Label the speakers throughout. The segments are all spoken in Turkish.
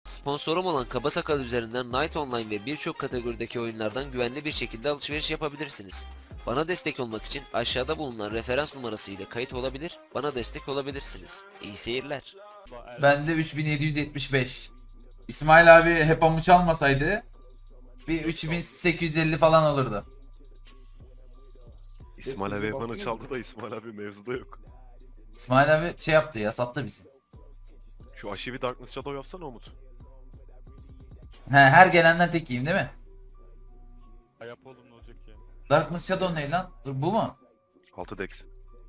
Speaker 1: Sponsorum olan Kaba Sakal üzerinden Night Online ve birçok kategorideki oyunlardan güvenli bir şekilde alışveriş yapabilirsiniz. Bana destek olmak için aşağıda bulunan referans numarası ile kayıt olabilir, bana destek olabilirsiniz. İyi seyirler.
Speaker 2: Bende 3775. İsmail abi hep amu çalmasaydı bir 3850 falan olurdu.
Speaker 3: İsmail abi bana çaldı da İsmail abi mevzuda yok.
Speaker 2: İsmail abi şey yaptı ya, sattı bizi.
Speaker 3: Şu aşıyı bir Darkness Shadow yapsana Umut.
Speaker 2: Her gelenden tek yiyeyim değil mi?
Speaker 4: Yap oğlum ne olacak ya?
Speaker 2: Darkness Shadow ne lan? Dur, bu mu?
Speaker 3: 6 Dex.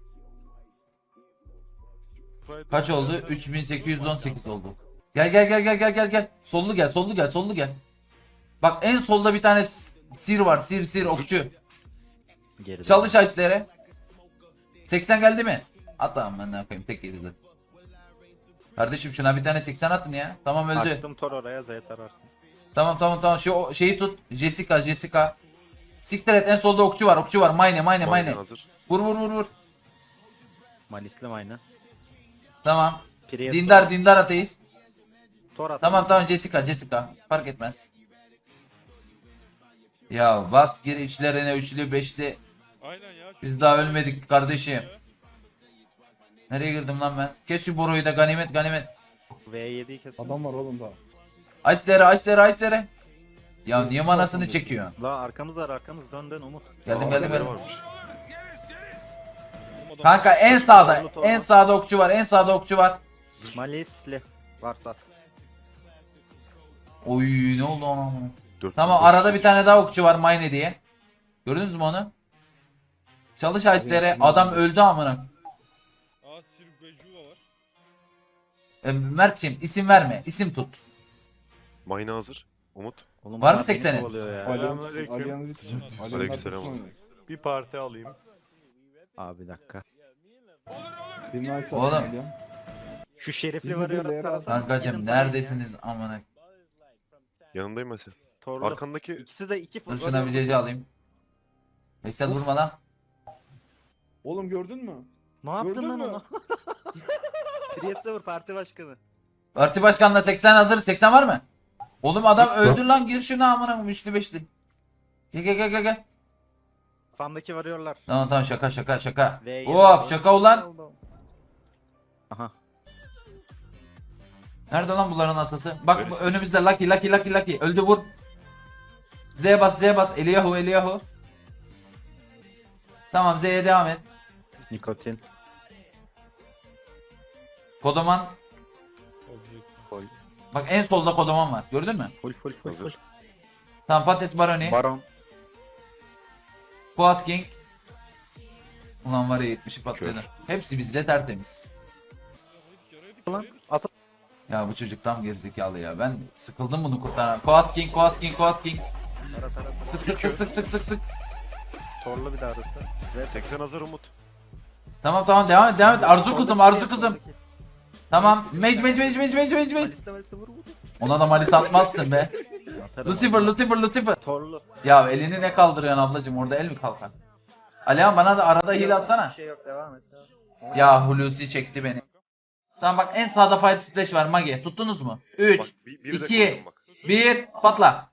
Speaker 2: Kaç oldu? 3818 oldu. Gel. Sollu gel. Bak en solda bir tane sir var. Sir okçu.
Speaker 5: Geride.
Speaker 2: Çalış ice'lere. 80 geldi mi? At tamam, ben ne yapayım, tek yedi. Kardeşim şuna bir tane 80 atın ya. Tamam, öldü.
Speaker 5: Açtım Tor oraya Z'ye tararsın.
Speaker 2: Tamam. Şu şeyi tut. Jessica. Siktir et, en solda okçu var. Mayne.
Speaker 3: hazır.
Speaker 2: Vur.
Speaker 5: Malislim aynı.
Speaker 2: Tamam.
Speaker 5: Priest
Speaker 2: Dindar ateist.
Speaker 5: Tor at.
Speaker 2: Tamam Jessica. Fark etmez. Ya bas gir içlerine, üçlü beşli.
Speaker 4: Aynen ya.
Speaker 2: Biz daha ölmedik kardeşim. Nereye girdim lan ben? Kes şu boruyu da, ganimet.
Speaker 5: V7'yi kesin.
Speaker 6: Adam var oğlum daha.
Speaker 2: Ice'lere. Ya niye manasını çekiyor?
Speaker 5: La arkamız dön Umut.
Speaker 2: Geldim.
Speaker 3: Neler varmış?
Speaker 2: Kanka en sağda okçu var.
Speaker 5: Malisli. Varsa at.
Speaker 2: Oy, ne oldu ona?
Speaker 3: 4
Speaker 2: Tamam, arada bir tane daha okçu var, Mayne diye. Gördünüz mü onu? Çalış Ice'lere, adam öldü amına.
Speaker 4: Aa Sirbejuva var.
Speaker 2: Mert'ciğim isim verme, isim tut.
Speaker 3: Mayna hazır. Umut.
Speaker 5: Oğlum
Speaker 2: Var mı
Speaker 5: bunlar beni
Speaker 2: 80'in?
Speaker 5: kovalıyor ya.
Speaker 6: Alyan'ı bitecek.
Speaker 3: Aleykümselam.
Speaker 6: Bir
Speaker 4: Bir parti alayım.
Speaker 5: Abi bir dakika.
Speaker 6: nice
Speaker 2: Oğlum.
Speaker 6: Alyan.
Speaker 5: Şu şerifli
Speaker 6: Bir de
Speaker 5: varıyor
Speaker 6: Leyla.
Speaker 5: tarasana.
Speaker 2: Kankacım neredesiniz amına?
Speaker 3: Yanındayım ben sen.
Speaker 5: Torlu.
Speaker 3: Arkandaki
Speaker 5: İkisi de iki
Speaker 2: Dur şuna bir CC alayım. Veysel vurma lan.
Speaker 6: Oğlum gördün mü?
Speaker 5: Ne yaptın
Speaker 6: Gördün
Speaker 5: lan
Speaker 6: mü?
Speaker 5: onu? Priest'e vur parti başkanı.
Speaker 2: Parti başkanına 80 hazır. 80 var mı? Oğlum adam öldü lan, gir şuna amına, üçlü beşli. Gel.
Speaker 5: Kafamdaki varıyorlar.
Speaker 2: Tamam şaka.
Speaker 5: V7
Speaker 2: Hop
Speaker 5: oldu.
Speaker 2: şaka ulan.
Speaker 5: Aha.
Speaker 2: Nerede lan bunların asası? Bak
Speaker 3: Neresi?
Speaker 2: önümüzde Lucky. Öldü, vur. Z bas. Eliyahu. Tamam, Z'ye devam et.
Speaker 5: Nikotin.
Speaker 2: Kodoman.
Speaker 5: Full.
Speaker 2: Bak en solda kodoman var. Gördün mü?
Speaker 5: Full.
Speaker 3: Hazır.
Speaker 2: Tamam, Patates Baroni.
Speaker 5: Baron.
Speaker 2: Boğaz King. Ulan var ya, 70'i patladı.
Speaker 3: Kör.
Speaker 2: Hepsi bizde tertemiz.
Speaker 5: Lan. Asıl.
Speaker 2: Ya bu çocuk tam gerizekalı ya. Ben sıkıldım bunu kurtaran. Koas King. Sık.
Speaker 5: Torlu bir daha arası. Z
Speaker 3: 80 hazır Umut.
Speaker 2: Tamam devam et. Arzu kızım.
Speaker 5: Soldaki.
Speaker 2: Tamam. Mage.
Speaker 5: Malisli vur.
Speaker 2: Ona da malis atmazsın be.
Speaker 5: Atarım.
Speaker 2: Lucifer.
Speaker 5: Torlu.
Speaker 2: Ya elini ne kaldırıyorsun ablacım, orada el mi kalkar? Alihan bana da arada heal atsana.
Speaker 5: Bir şey yok devam et.
Speaker 2: Ya Hulusi çekti beni. Tamam bak, en sağda Fire Splash var Mage. Tuttunuz mu? 3,
Speaker 3: Bak biri de
Speaker 2: 2,
Speaker 3: koydum bak.
Speaker 2: 1, patla.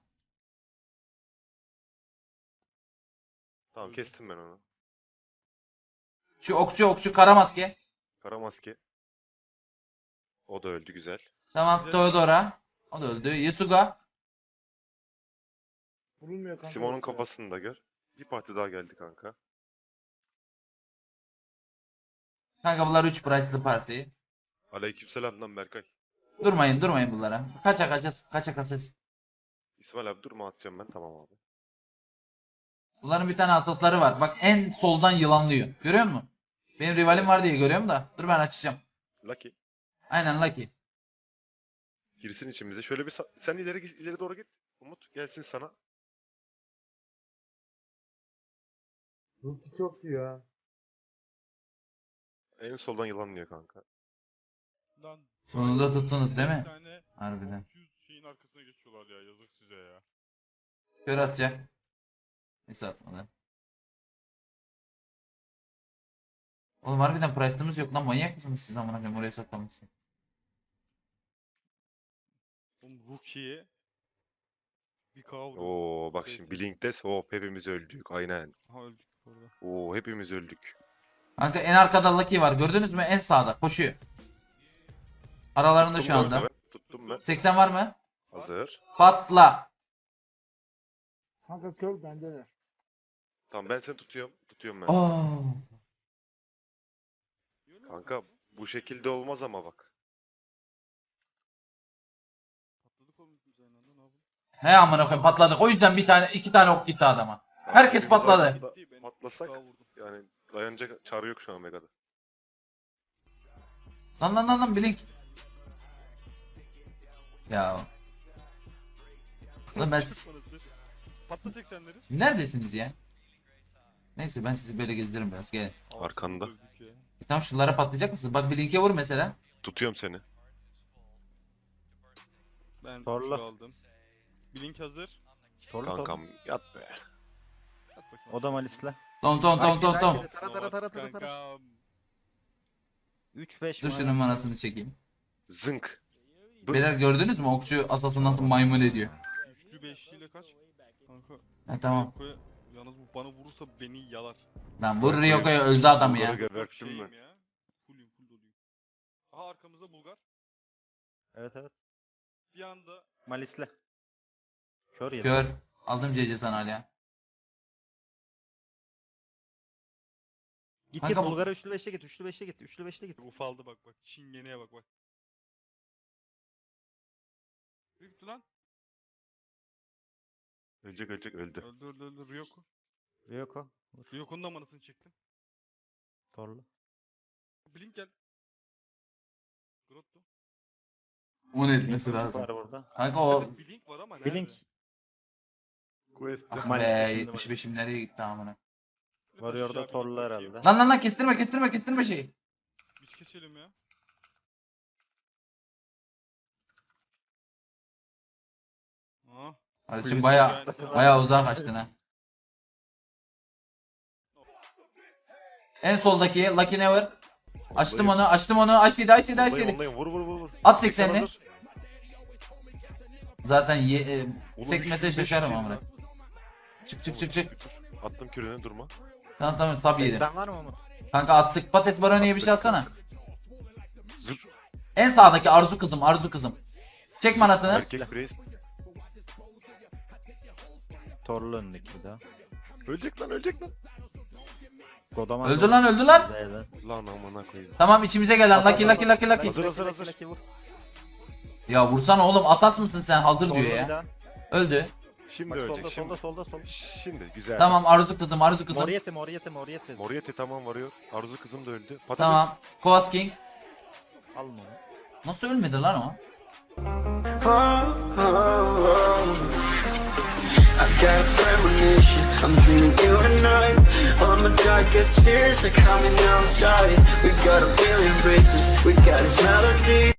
Speaker 3: Tamam kestim ben onu.
Speaker 2: Şu okçu kara maske.
Speaker 3: Kara maske. O da öldü güzel.
Speaker 2: Tamam, Theodora. O da öldü. Yasuga.
Speaker 6: Vurulmuyor kanka.
Speaker 3: Simon'un kafasını da gör. Bir parti daha geldi kanka.
Speaker 2: Kanka bunlar 3 price'lı parti.
Speaker 3: Aleykümselam lan Berkay.
Speaker 2: Durmayın bunlara. Kaça.
Speaker 3: İsmail abi durma atacağım ben, tamam abi.
Speaker 2: Bunların bir tane asasları var. Bak en soldan yılanlıyor. Görüyor musun? Benim rivalim var diye görüyorum da. Dur ben açacağım.
Speaker 3: Lucky.
Speaker 2: Aynen Lucky.
Speaker 3: Girsin içimize. Şöyle bir sen ileri doğru git. Umut gelsin sana.
Speaker 6: Ruki çok iyi ya.
Speaker 3: En soldan yılanlıyor kanka.
Speaker 4: Lan.
Speaker 2: Sonunda tuttunuz değil mi?
Speaker 4: Bir tane
Speaker 2: Harbiden.
Speaker 4: 200 şeyin arkasına geçiyorlar ya, yazık size ya.
Speaker 2: Kör atacak. Neyse atmadı. Oğlum harbiden price'ımız yok lan, manyak mısınız siz amına koyayım, oraya saklamışsın.
Speaker 4: Oğlum Rookie'ye bir kavga.
Speaker 3: Oo bak şimdi Blink'tes hop hepimiz öldük. Aynen.
Speaker 4: Ha öldük orada.
Speaker 3: Oo hepimiz öldük.
Speaker 2: Kanka en arkada Lucky var. Gördünüz mü? En sağda. Koşuyor. Aralarında
Speaker 3: Tuttum
Speaker 2: şu
Speaker 3: bu
Speaker 2: anda.
Speaker 3: arada ben. Tuttum ben.
Speaker 2: 80 var mı?
Speaker 3: Hazır.
Speaker 2: Patla.
Speaker 6: Kanka kör bendeler.
Speaker 3: Tamam ben seni tutuyorum. Tutuyorum ben seni.
Speaker 2: Oo.
Speaker 3: Kanka bu şekilde olmaz ama bak.
Speaker 4: Patladık oğlum biz aynı anda ne yapalım?
Speaker 2: He amına koyayım patladık. O yüzden bir tane 2 tane ok gitti adama. Herkes
Speaker 3: Hepimiz
Speaker 2: patladı.
Speaker 3: aynı anda
Speaker 4: Gitti, ben
Speaker 3: Patlasak
Speaker 4: daha vurdum.
Speaker 3: yani dayanacak çare yok şu an Mega'da.
Speaker 2: Lan Blink. Ya. Lan ben
Speaker 4: Patla 80'leri.
Speaker 2: neredesiniz ya? Neyse ben sizi böyle gezdiririm biraz. Gelin.
Speaker 3: Arkanda.
Speaker 4: Öldük ya.
Speaker 2: Tamam şunlara patlayacak mısınız? Bak Blink'e vur mesela.
Speaker 3: Tutuyorum seni.
Speaker 4: Ben
Speaker 5: Torla.
Speaker 4: şu aldım. Blink hazır.
Speaker 5: Torlu
Speaker 3: Kankam yat be.
Speaker 4: At bakayım.
Speaker 5: O da Malis'le.
Speaker 2: Ton.
Speaker 5: Tara tara.
Speaker 4: Kankam.
Speaker 5: 3-5
Speaker 2: Dur şunun manasını çekeyim.
Speaker 3: Zınk.
Speaker 2: Beyler gördünüz mü? Okçu asası nasıl maymun ediyor.
Speaker 4: Üçlü beşliyle kaç? Kanka.
Speaker 2: Ha tamam.
Speaker 4: Ryoko'ya- Yalnız bu bana vurursa beni yalar.
Speaker 2: Lan vur Ryoko'ya öldü adam ya.
Speaker 3: Bunları geberttim
Speaker 4: Şeyim
Speaker 3: ben.
Speaker 4: ya. Full doluyum. Aha arkamızda Bulgar.
Speaker 5: Evet.
Speaker 4: Bir anda
Speaker 5: Malis'le. Kör yedi.
Speaker 2: Kör. Aldım CC sana hala.
Speaker 5: Git
Speaker 2: Kanka bu-
Speaker 5: Bulgar'a üçlü 5'e git. Üçlü 5'e git.
Speaker 4: ufaldı bak. Çingeneye bak. Büyüktü lan.
Speaker 3: Öldü.
Speaker 4: Öldü Ryoko.
Speaker 5: Ryoko.
Speaker 4: Ryoko'nun da manasını çektim.
Speaker 5: Torlu.
Speaker 4: Blink gel. Grotto.
Speaker 2: Onu etmesi
Speaker 5: Blink
Speaker 2: lazım.
Speaker 5: var burada.
Speaker 2: Kanka o
Speaker 4: Evet, Blink var ama nerede?
Speaker 5: Blink.
Speaker 3: Quest.
Speaker 2: ah
Speaker 5: Maalesef
Speaker 2: be
Speaker 5: şimdi
Speaker 2: 75'im nereye gitti amına.
Speaker 5: Varıyor da Torlu herhalde.
Speaker 2: Lan kestirme şeyi.
Speaker 4: Biz keselim ya. Aa.
Speaker 2: Kardeşim
Speaker 5: Kulübesi
Speaker 2: baya uzağa kaçtın ha. En soldaki Lucky Never. Açtım onu. IC'de.
Speaker 3: Ondayım. Vur.
Speaker 2: At
Speaker 3: Sen
Speaker 2: 80'li.
Speaker 3: hazır.
Speaker 2: Zaten
Speaker 3: Oğlum,
Speaker 2: sekmese
Speaker 3: 3500
Speaker 2: şaşarım
Speaker 3: yedi
Speaker 2: amına.
Speaker 3: lan.
Speaker 2: Çık.
Speaker 3: Attım kürene durma.
Speaker 2: Tamam sab yedim.
Speaker 5: 80 var mı Umut?
Speaker 2: Kanka attık. Patates baroniye bir şey atsana.
Speaker 3: Zır.
Speaker 2: En sağdaki Arzu kızım. Çek manasını.
Speaker 3: Erkek priest.
Speaker 5: Torlu önündeki bir daha.
Speaker 3: Ölecek lan.
Speaker 5: Godaman.
Speaker 2: Öldü lan.
Speaker 5: Zeyden.
Speaker 3: Lan amına koyayım.
Speaker 2: Tamam içimize gel lan. Lucky.
Speaker 3: Hazır.
Speaker 5: Lucky vur.
Speaker 2: Ya vursana oğlum asas mısın sen? Hazır
Speaker 5: Torlu
Speaker 2: diyor
Speaker 5: bir
Speaker 2: ya.
Speaker 5: daha.
Speaker 2: Öldü.
Speaker 3: Şimdi
Speaker 5: Bak
Speaker 3: ölecek.
Speaker 5: solda.
Speaker 3: Şimdi güzel.
Speaker 2: Tamam Arzu kızım.
Speaker 5: Moriete.
Speaker 3: Moriete tamam varıyor. Arzu kızım da öldü. Patates.
Speaker 2: Tamam. Kovas King.
Speaker 5: Alın onu.
Speaker 2: Nasıl ölmedi lan o?
Speaker 7: I've got a premonition, I'm dreaming you and I. All my darkest fears are coming outside. We got a billion races, we got this melody.